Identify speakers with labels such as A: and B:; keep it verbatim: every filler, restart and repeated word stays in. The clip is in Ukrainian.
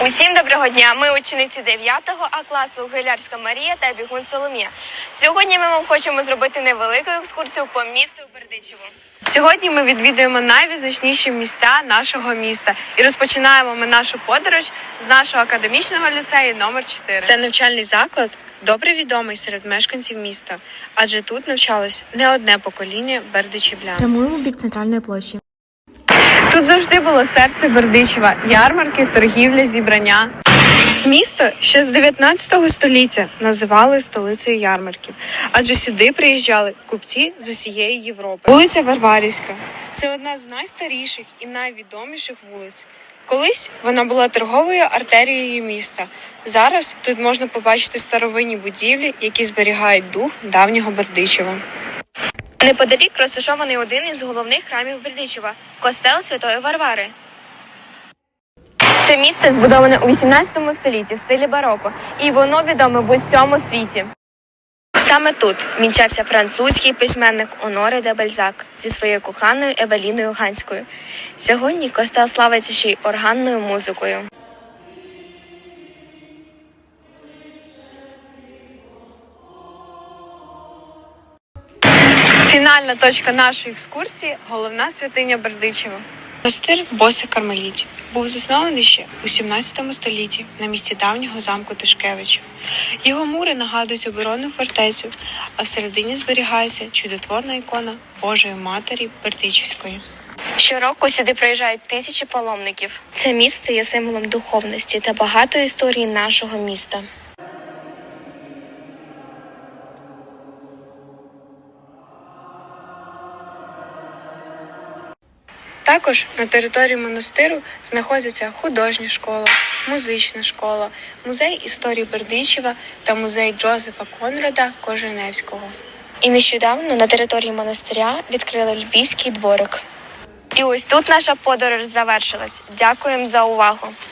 A: Усім доброго дня! Ми учениці дев'ятого А класу Гилярська Марія та Бігун Соломія. Сьогодні ми вам хочемо зробити невелику екскурсію по місту Бердичеву. Сьогодні ми відвідуємо найвизначніші місця нашого міста і розпочинаємо ми нашу подорож з нашого академічного ліцею номер чотири.
B: Це навчальний заклад, добре відомий серед мешканців міста, адже тут навчалось не одне покоління бердичівлян.
C: Прямуємо в бік центральної площі.
A: Тут завжди було серце Бердичева – ярмарки, торгівля, зібрання.
B: Місто ще з дев'ятнадцятого століття називали столицею ярмарків, адже сюди приїжджали купці з усієї Європи. Вулиця Варварівська – це одна з найстаріших і найвідоміших вулиць. Колись вона була торговою артерією міста. Зараз тут можна побачити старовинні будівлі, які зберігають дух давнього Бердичева.
A: Неподалік розташований один із головних храмів Бердичева – костел Святої Варвари. Це місце збудоване у вісімнадцятому столітті в стилі бароко, і воно відоме в усьому світі. Саме тут вінчався французький письменник Оноре де Бальзак зі своєю коханою Евеліною Ганською. Сьогодні костел славиться ще й органною музикою.
B: Фінальна точка нашої екскурсії – головна святиня Бердичева. Монастир Босих Кармелітів був заснований ще у сімнадцятому столітті на місці давнього замку Тишкевичів. Його мури нагадують оборонну фортецю, а всередині зберігається чудотворна ікона Божої Матері Бердичівської.
A: Щороку сюди приїжджають тисячі паломників. Це місце є символом духовності та багатої історії нашого міста.
B: Також на території монастиру знаходяться художня школа, музична школа, музей історії Бердичева та музей Джозефа Конрада Коженевського.
A: І нещодавно на території монастиря відкрили Львівський дворик. І ось тут наша подорож завершилась. Дякуємо за увагу!